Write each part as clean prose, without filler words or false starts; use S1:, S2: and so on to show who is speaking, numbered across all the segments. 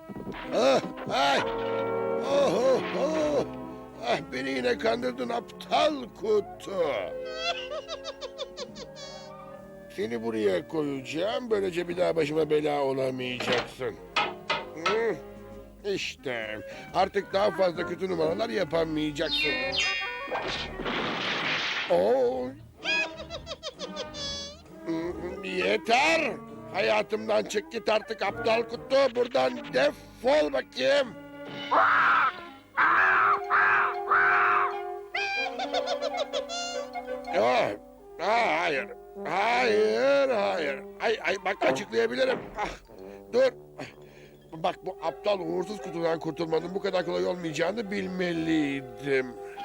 S1: Ah, ay. Oh, oh, oh. Ah, beni yine kandırdın aptal kutu. Seni buraya koyacağım. Böylece bir daha başıma bela olamayacaksın. Hı, İşte artık daha fazla kötü numaralar yapamayacaksın. Oo. Yeter. Hayatımdan çık git artık aptal kutu. Buradan defol bakayım. Oh, hayır. Hayır, hayır. Ay, bak açıklayabilirim. Ah, dur. Bak bu aptal uğursuz kutudan kurtulmanın bu kadar kolay olmayacağını bilmeliydim.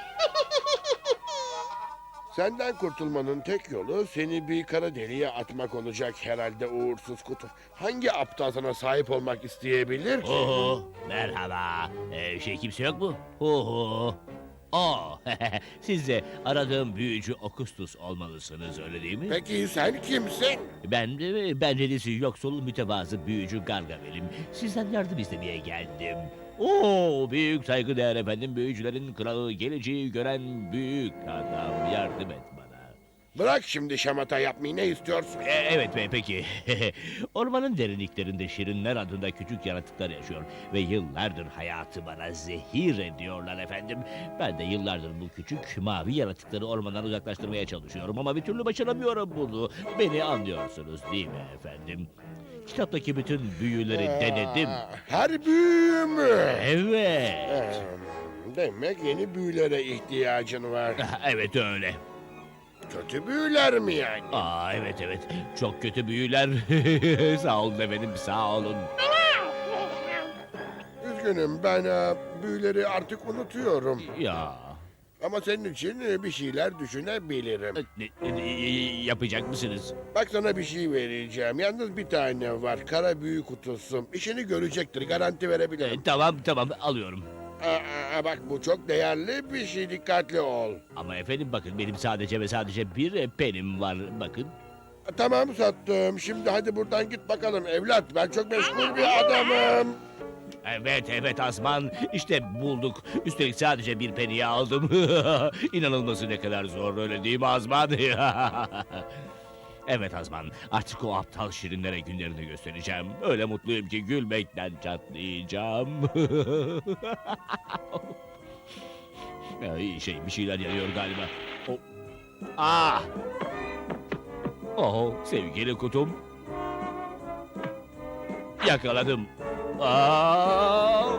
S1: Senden kurtulmanın tek yolu seni bir kara deliğe atmak olacak herhalde uğursuz kutu. Hangi aptal sana sahip olmak isteyebilir ki?
S2: Oho, merhaba. Kimse yok mu? Oho. Oh, siz de aradığım büyücü Okustus olmalısınız, öyle değil mi?
S1: Peki sen kimsin?
S2: Ben dedesi yoksul mütevazı büyücü Gargamel'im. Sizden yardım istemeye geldim. Oo, büyük saygıdeğer efendim, büyücülerin kralı, geleceği gören büyük adam, yardım et bana.
S1: Bırak şimdi şamata yapmayı, ne istiyorsun?
S2: Evet bey, peki. Ormanın derinliklerinde şirinler adında küçük yaratıklar yaşıyor ve yıllardır hayatı bana zehir ediyorlar efendim. Ben de yıllardır bu küçük mavi yaratıkları ormandan uzaklaştırmaya çalışıyorum ama bir türlü başaramıyorum bunu. Beni anlıyorsunuz değil mi efendim? Kitaptaki bütün büyüleri denedim.
S1: Her büyü mü?
S2: Evet.
S1: Demek yeni büyülere ihtiyacın var.
S2: Evet öyle.
S1: Kötü büyüler mi yani?
S2: Evet. Çok kötü büyüler. Sağ olun efendim, sağ olun.
S1: Üzgünüm, ben büyüleri artık unutuyorum.
S2: Ya.
S1: Ama senin için bir şeyler düşünebilirim.
S2: Yapacak mısınız?
S1: Bak sana bir şey vereceğim. Yalnız bir tane var. Kara büyü kutusu. İşini görecektir. Garanti verebilirim.
S2: Tamam alıyorum.
S1: Bak bu çok değerli bir şey. Dikkatli ol.
S2: Ama efendim bakın, benim sadece ve sadece bir penim var, bakın.
S1: Tamam, sattım. Şimdi hadi buradan git bakalım evlat. Ben çok meşgul bir adamım.
S2: Evet Azman, işte bulduk. Üstelik sadece bir peniyi aldım. İnanılması ne kadar zor, öyle değil mi Azman? Evet Azman, artık o aptal şirinlere günlerini göstereceğim. Öyle mutluyum ki gülmekten çatlayacağım. Bir şeyler yanıyor galiba. Ah! Oh, sevgili kutum. Yakaladım. Aa!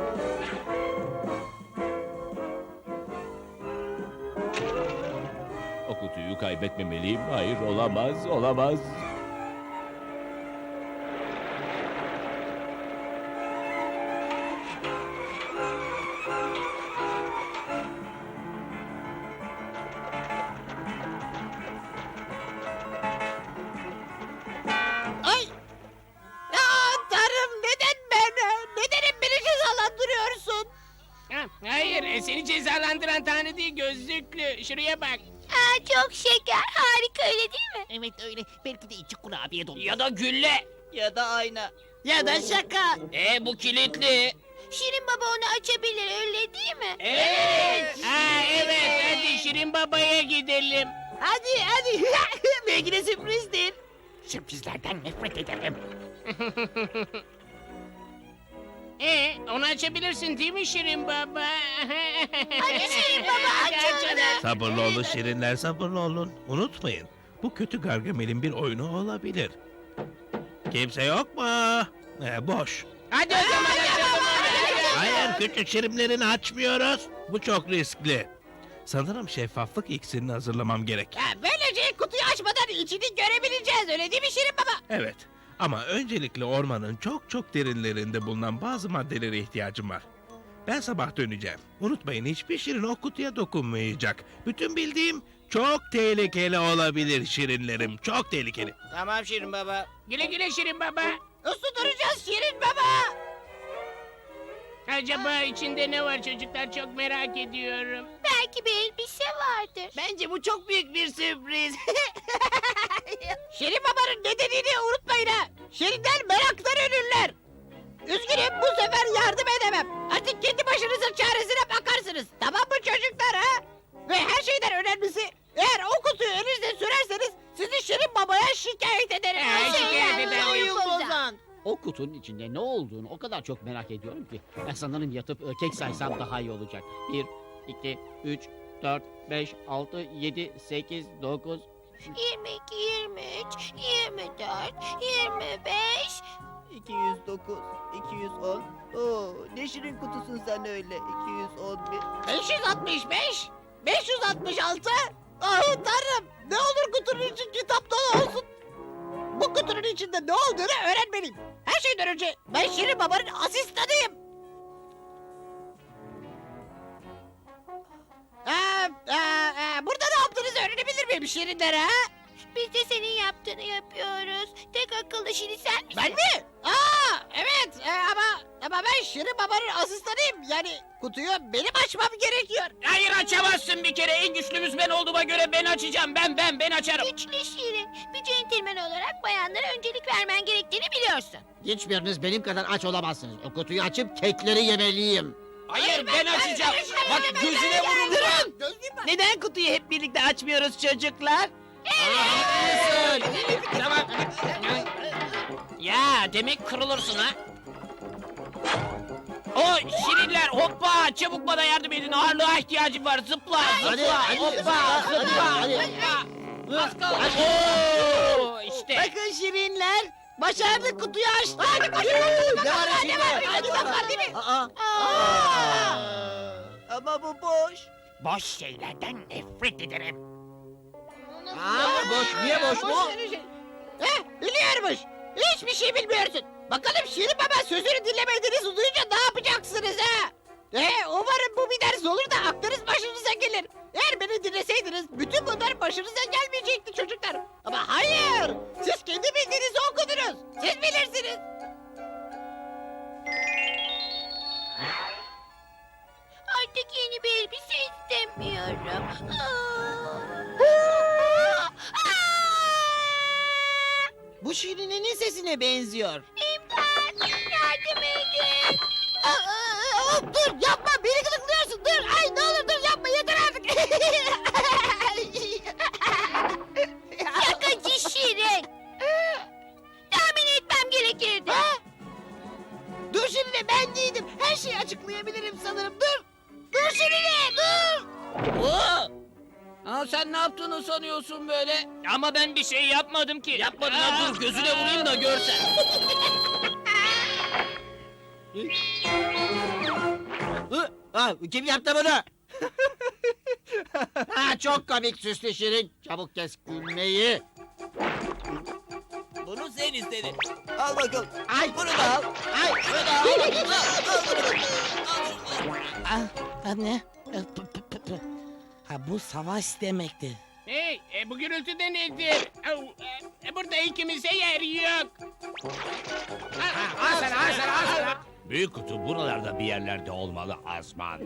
S2: O kutuyu kaybetmemeliyim. Hayır, olamaz.
S3: Ay! Tanrım, neden ben? Neden hep beni cezalandırıyorsun?
S4: Hayır, seni cezalandıran Tanrı değil, gözlüklü. Şuraya bak.
S5: Çok şeker. Harika, öyle değil mi?
S3: Evet öyle. Belki de içi kurabiye dolu.
S4: Ya da gülle.
S3: Ya da ayna. Ya da şaka.
S4: Bu kilitli.
S5: Şirin Baba onu açabilir, öyle değil mi?
S4: Evet. Evet, hadi Şirin Baba'ya gidelim.
S3: Hadi. Belki de sürprizdir.
S4: Sürprizlerden nefret ederim. Onu açabilirsin değil mi Şirin Baba?
S5: Hadi Şirin Baba, aç onu.
S6: Sabırlı olun şirinler, sabırlı olun. Unutmayın, bu kötü Gargamel'in bir oyunu olabilir. Kimse yok mu? Boş.
S4: Hadi o zaman açalım.
S6: Hayır, küçük şirinlerini açmıyoruz. Bu çok riskli. Sanırım şeffaflık iksirini hazırlamam gerek.
S3: Böylece kutuyu açmadan içini görebileceğiz, öyle değil mi Şirin Baba?
S6: Evet, ama öncelikle ormanın çok derinlerinde bulunan bazı maddelere ihtiyacım var. Ben sabah döneceğim. Unutmayın, hiçbir şirin o kutuya dokunmayacak. Bütün bildiğim çok tehlikeli olabilir şirinlerim. Çok tehlikeli.
S4: Tamam Şirin Baba. Güle güle Şirin Baba.
S3: Uslu duracağız Şirin Baba.
S4: Acaba içinde ne var çocuklar, çok merak ediyorum.
S5: Belki bir elbise vardır.
S3: Bence bu çok büyük bir sürpriz. Şirin Baba'nın nedenini unutmayın ha. Şirinler meraktan ölürler. Üzgünüm bu sefer yardım edemem. Artık kendi başınızın çaresine bakarsınız. Tamam mı çocuklar ha? Ve her şeyden önemlisi eğer o kutuyu elinizde sürerseniz sizi Şirin Baba'ya şikayet ederim.
S4: Şikayet ederim.
S3: Oyun bozan.
S7: O kutunun içinde ne olduğunu o kadar çok merak ediyorum ki. Ben sanırım yatıp kek saysam daha iyi olacak. 1, 2, 3, 4, 5, 6, 7, 8, 9...
S5: 22, 23, 24, 25.
S8: 209, 210. Oo, ne şirin kutusun sen öyle. 211.
S3: 565, 566. Ah tanrım ne olur kutunun için kitap dolu olsun. Bu kutunun içinde ne olduğunu öğrenmeliyim. Her şeyden önce ben Şirin Baba'nın asistanıyım. Burada ne yaptığınızı öğrenebilir miyim Şirinler ha?
S5: Biz de senin yaptığını yapıyoruz. Tek akıllı Şirin sen misin?
S3: Ben mi? Evet ama ben Şirin Baba'nın asistanıyım. Yani kutuyu benim açmam gerekiyor.
S4: Hayır açamazsın bir kere. En güçlümüz ben olduğuma göre ben açacağım. Ben açarım.
S5: Güçlü Şirin. Bir centilmen olarak bayanlara öncelik vermen gerektiğini biliyorsun.
S7: Hiçbiriniz benim kadar aç olamazsınız. O kutuyu açıp kekleri yemeliyim.
S4: Hayır ben açacağım. Bak gözüne vururum.
S8: Neden kutuyu hep birlikte açmıyoruz çocuklar?
S4: Tamam. Ya demek kırılırsın ha. O şirinler hoppa çabuk bana yardım edin ağırlığa ihtiyacım var zıpla zıpla hoppa zıpla zıpla. Az kaldı. Oo, işte.
S8: Bakın şirinler. Başardık kutuyu açtık.
S3: Hadi koşun. Hadi bakalım değil mi?
S8: Ama bu boş.
S4: Boş şeylerden nefret ederim.
S8: Boş. Niye boş bu?
S3: Biliyormuş. Hiçbir şey bilmiyorsun. Bakalım Şirin Baba sözünü dinlemediğinizi duyunca ne yapacaksınız ha? Umarım bu bir ders olur da aklınız başınıza gelir. Eğer beni dinleseydiniz bütün bunlar başınıza gelmeyecekti çocuklar. Ama hayır. Siz kendi bildiğinizi okudunuz. Siz bilirsiniz.
S5: Artık yeni bir elbise istemiyorum.
S8: Bu şirinin sesine benziyor.
S5: İmdat! Yardım edin!
S3: Dur yapma beni gıdıklıyorsun dur. Ay ne olur dur yapma yeter artık.
S5: Şakacı Şirin! Tahmin etmem gerekirdi.
S3: Dur şimdi ben değildim. Her şeyi açıklayabilirim sanırım. Dur. Dur Şirin'e dur.
S8: Sen ne yaptığını sanıyorsun böyle?
S4: Ama ben bir şey yapmadım ki.
S8: Yapmadın ha, dur gözüne vurayım da görsen.
S7: Kim yaptı bunu? Çok komik süslü Şirin. Çabuk kes gülmeyi.
S8: Bunu sen istedin. Al bakalım.
S7: Ay,
S8: Bunu da al.
S7: ay,
S8: Bunu da al. Al bunu. Anne. Ha bu savaş demekti.
S4: Hey bu gürültü de nedir? Burada ikimize yer yok. Al sana.
S2: Büyük kutu buralarda bir yerlerde olmalı Azman.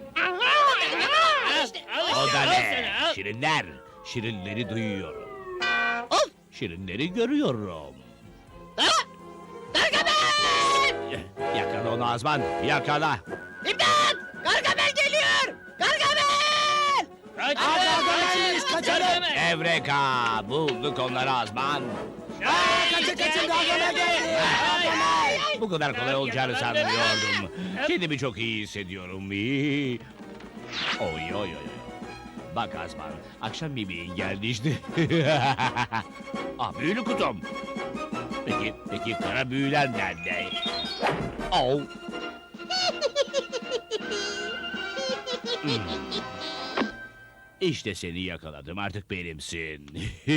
S2: O da ne? Şirinler. Şirinleri duyuyorum. Şirinleri görüyorum.
S3: Gargamel!
S2: Yakala onu Azman. Yakala.
S3: İmdat! Gargamel geliyor! Gargamel!
S4: Kaçalım.
S2: Evreka. Bulduk onları Azman.
S4: Kaçın Gargamel geldi.
S2: Bu kadar kolay olacağını sanmıyordum. Kendimi çok iyi hissediyorum. İyi. Oy oy oy. Bak Azman, akşam yemeğin geldi işte. Büyülü kutum. Peki kara büyüler nerede? Oh. İşte seni yakaladım, artık benimsin.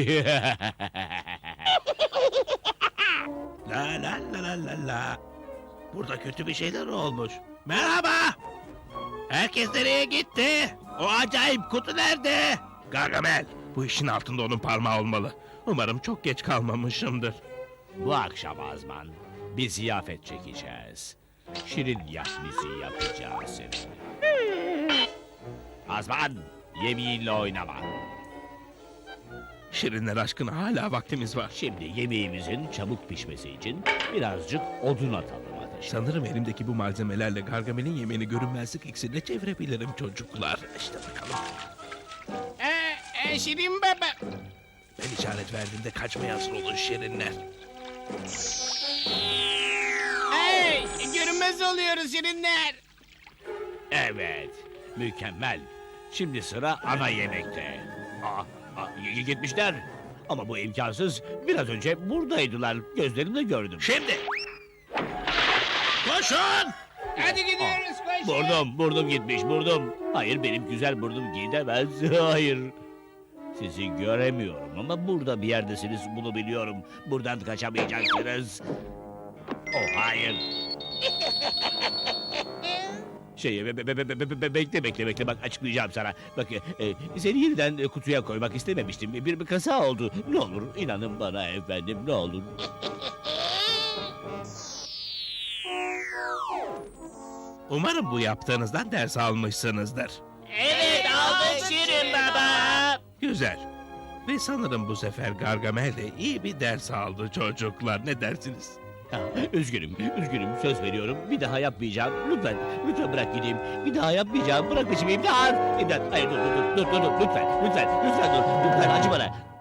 S6: La la la la la la. Burada kötü bir şeyler olmuş. Merhaba. Herkes nereye gitti? O acayip kutu nerede? Gargamel. Bu işin altında onun parmağı olmalı. Umarım çok geç kalmamışımdır.
S2: Bu akşam Azman, bir ziyafet çekeceğiz. Şirin yahnisi yapacağız seninle. Azman, yemeğinle oynama.
S6: Şirinler aşkına hala vaktimiz var.
S2: Şimdi yemeğimizin çabuk pişmesi için birazcık odun atalım ateşe.
S6: Sanırım elimdeki bu malzemelerle Gargamel'in yemeğini görünmezlik iksirine çevirebilirim çocuklar. İşte bakalım.
S4: Şirin baba.
S6: Ben işaret verdiğimde kaçmaya hazır olun şirinler.
S4: Hey, görünmez oluyoruz şirinler.
S2: Evet, mükemmel. Şimdi sıra ana yemekte. Gitmişler. Ama bu imkansız. Biraz önce buradaydılar. Gözlerimle gördüm.
S6: Şimdi! Koşun!
S4: Hadi gidiyoruz koşun.
S2: Burnum gitmiş, burnum. Hayır, benim güzel burnum gidemez. Hayır. Sizi göremiyorum ama burada bir yerdesiniz, bunu biliyorum. Buradan kaçamayacaksınız. Oh, hayır. Bekle bak açıklayacağım sana. Bak seni yeniden kutuya koymak istememiştim. Bir kaza oldu. Ne olur inanın bana efendim, ne olur.
S6: Umarım bu yaptığınızdan ders almışsınızdır.
S4: Evet aldık Şirin baba.
S6: Güzel. Ve sanırım bu sefer Gargamel de iyi bir ders aldı çocuklar. Ne dersiniz?
S2: Üzgünüm, söz veriyorum. Bir daha yapmayacağım. Lütfen bırak gideyim. Bir daha yapmayacağım. Bırak peşimi, imdat. Hayır dur, lütfen dur. Lütfen acı bana.